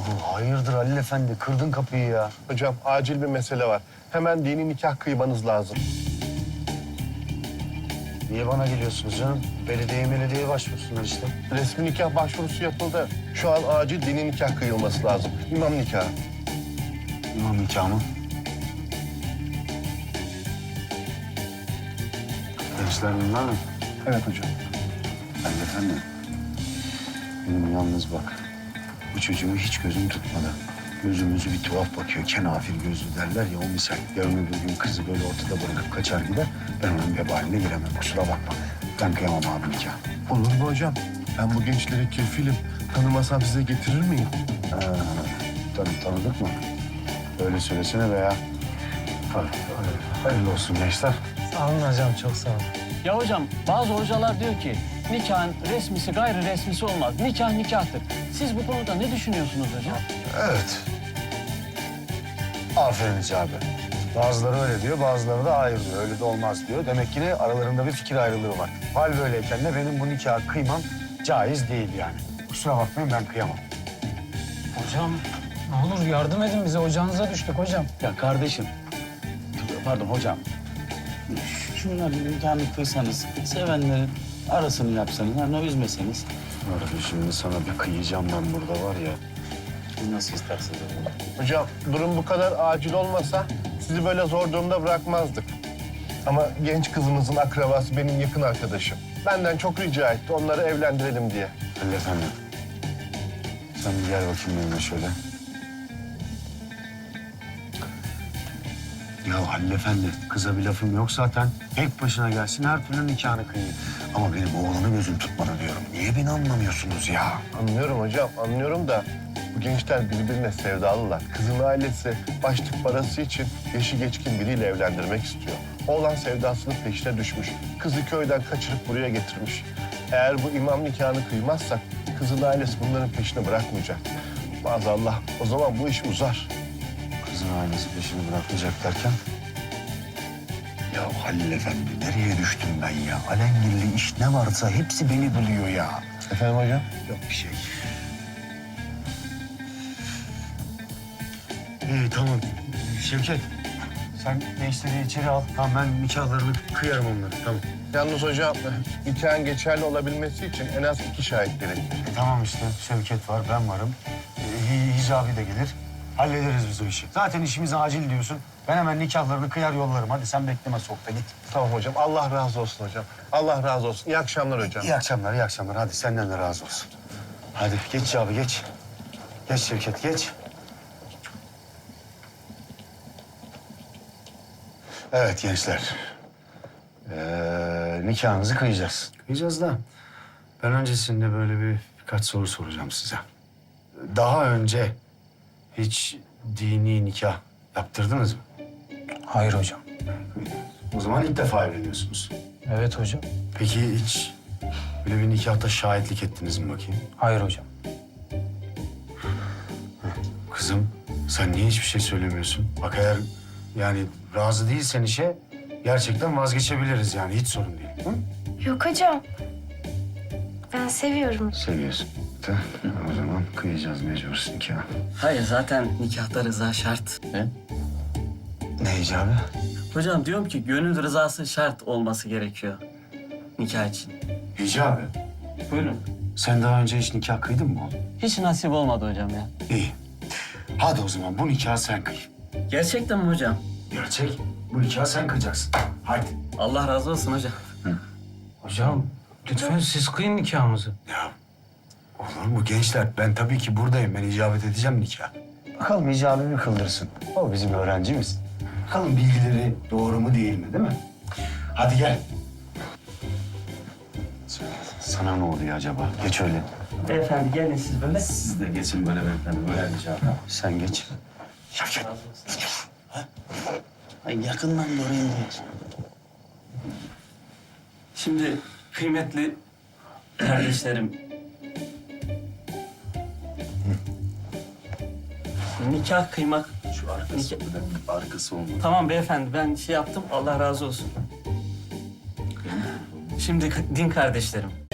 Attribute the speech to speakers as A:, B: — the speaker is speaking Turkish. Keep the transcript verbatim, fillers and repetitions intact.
A: Oo, hayırdır Halil Efendi? Kırdın kapıyı ya.
B: Hocam acil bir mesele var. Hemen dini nikah kıymanız lazım.
A: Niye bana geliyorsunuz canım? Belediye belediyeye başvursunlar işte.
B: Resmi nikah başvurusu yapıldı. Şu an acil dini nikah kıyılması lazım. İmam nikahı.
A: İmam nikahı mı? Gençler bunlar mı?
B: Evet hocam.
A: Halil Efendi. Benim yalnız bak. Bu çocuğu hiç gözüm tutmadı. Gözümüzü bir tuhaf bakıyor. Kenafir gözlü derler ya o misal. Yarın öbür gün kızı böyle ortada bırakıp kaçar gider. Ben onun vebaline giremem. Kusura bakma. Ben kıyamam abi nikah.
B: Olur mu hocam? Ben bu gençlere kefilim. Tanımasam size getirir miyim?
A: Ha, tanı, tanıdık mı? Öyle söylesene veya. Hadi, hadi. Hayırlı olsun gençler.
C: Sağ olun hocam, çok sağ olun.
D: Ya hocam bazı hocalar diyor ki nikahın resmisi gayri resmisi olmaz. Nikah nikahtır. Siz bu konuda ne düşünüyorsunuz hocam?
A: Evet. Aferin Hicabi. Bazıları öyle diyor, bazıları da hayır diyor. Öyle de olmaz diyor. Demek ki ne aralarında bir fikir ayrılığı var. Hal böyleyken de benim bu nikahı kıymam caiz değil yani. Kusura bakmayın ben kıyamam.
C: Hocam ne olur yardım edin bize, ocağınıza düştük hocam.
E: Ya kardeşim, pardon hocam. Şunların nikahını kıysanız, sevenlerin arasını yapsanız, hani üzmeseniz.
A: Arada şimdi sana bir kıyacağım ben burada var ya.
E: Nasıl isterseniz hocam.
B: Hocam durum bu kadar acil olmasa sizi böyle zor durumda bırakmazdık. Ama genç kızımızın akrabası benim yakın arkadaşım. Benden çok rica etti onları evlendirelim diye.
A: Halil Efendi. Sen bir gel bakayım benimle şöyle. Ya Halil Efendi, kıza bir lafım yok zaten. Tek başına gelsin, her türlü nikahını kıyayım. Ama benim oğlanı gözüm tutmadı diyorum. Niye beni anlamıyorsunuz ya?
B: Anlıyorum hocam, anlıyorum da bu gençler birbirine sevdalılar. Kızın ailesi başlık parası için yaşı geçkin biriyle evlendirmek istiyor. Oğlan sevdasının peşine düşmüş. Kızı köyden kaçırıp buraya getirmiş. Eğer bu imam nikahını kıymazsak kızın ailesi bunların peşini bırakmayacak. Maazallah o zaman bu iş uzar.
A: Kızın ailesi peşini bırakmayacak derken? Ya Halil Efendi, nereye düştüm ben ya? Alengirli iş ne varsa hepsi beni buluyor ya.
B: Efendim hocam?
A: Yok bir şey. İyi tamam. Şevket, sen gençleri içeri al. Tamam ben nikahlarını kıyarım onları. Tamam.
B: Yalnız hocam nikahın geçerli olabilmesi için en az iki şahit gerekiyor.
A: E, tamam işte Şevket var, ben varım. E, Hi- Hicabi de gelir. Hallederiz biz o işi. Zaten işimiz acil diyorsun. Ben hemen nikahlarını kıyar yollarım. Hadi sen bekleme soğukta git.
B: Tamam hocam. Allah razı olsun hocam. Allah razı olsun. İyi akşamlar hocam.
A: İyi akşamlar, iyi akşamlar. Hadi senden de razı olsun. Hadi geç abi geç. Geç Şevket geç. Evet gençler. Ee, nikahınızı kıyacağız. Kıyacağız da ben öncesinde böyle bir birkaç soru soracağım size. Daha önce hiç dini nikah yaptırdınız mı?
C: Hayır hocam.
A: O zaman ilk defa evleniyorsunuz.
C: Evet hocam.
A: Peki hiç böyle bir nikahta şahitlik ettiniz mi bakayım?
C: Hayır hocam.
A: Kızım sen niye hiçbir şey söylemiyorsun? Bak eğer yani razı değilsen işe gerçekten vazgeçebiliriz yani hiç sorun değil. Hı?
F: Yok hocam. Ben seviyorum.
A: Seviyorsun. De, o zaman kıyacağız mecbur nikah.
D: Hayır zaten nikahta rıza şart.
E: He?
A: Ne icabı?
D: Hocam diyorum ki gönül rızası şart olması gerekiyor nikah için.
A: İcabı.
D: Buyurun.
A: Sen daha önce hiç nikah kıydın mı oğlum?
D: Hiç nasip olmadı hocam ya.
A: İyi. Hadi o zaman bu nikahı sen kıy.
D: Gerçekten mi hocam?
A: Gerçek. Bu nikahı sen kıyacaksın. Hadi.
D: Allah razı olsun hocam.
C: Hocam lütfen siz kıyın nikahımızı.
A: Ya olur mu gençler? Ben tabii ki buradayım. Ben icabet edeceğim nikah. Bakalım icabı mi kıldırsın? O bizim öğrencimiz. Bakalım bilgileri doğru mu değil mi değil mi? Hadi gel. Sana ne oluyor acaba? Geç öyle.
D: Beyefendi gelin siz böyle.
E: Siz de geçin böyle beyefendi, böyle rica.
A: Sen geç. Şevket.
E: Ay yakından doğru indirir.
D: Şimdi kıymetli kardeşlerim. Nikah kıymak.
E: Şu arkası, bir arkası olmalı.
D: Tamam beyefendi ben şey yaptım Allah razı olsun. Şimdi din kardeşlerim.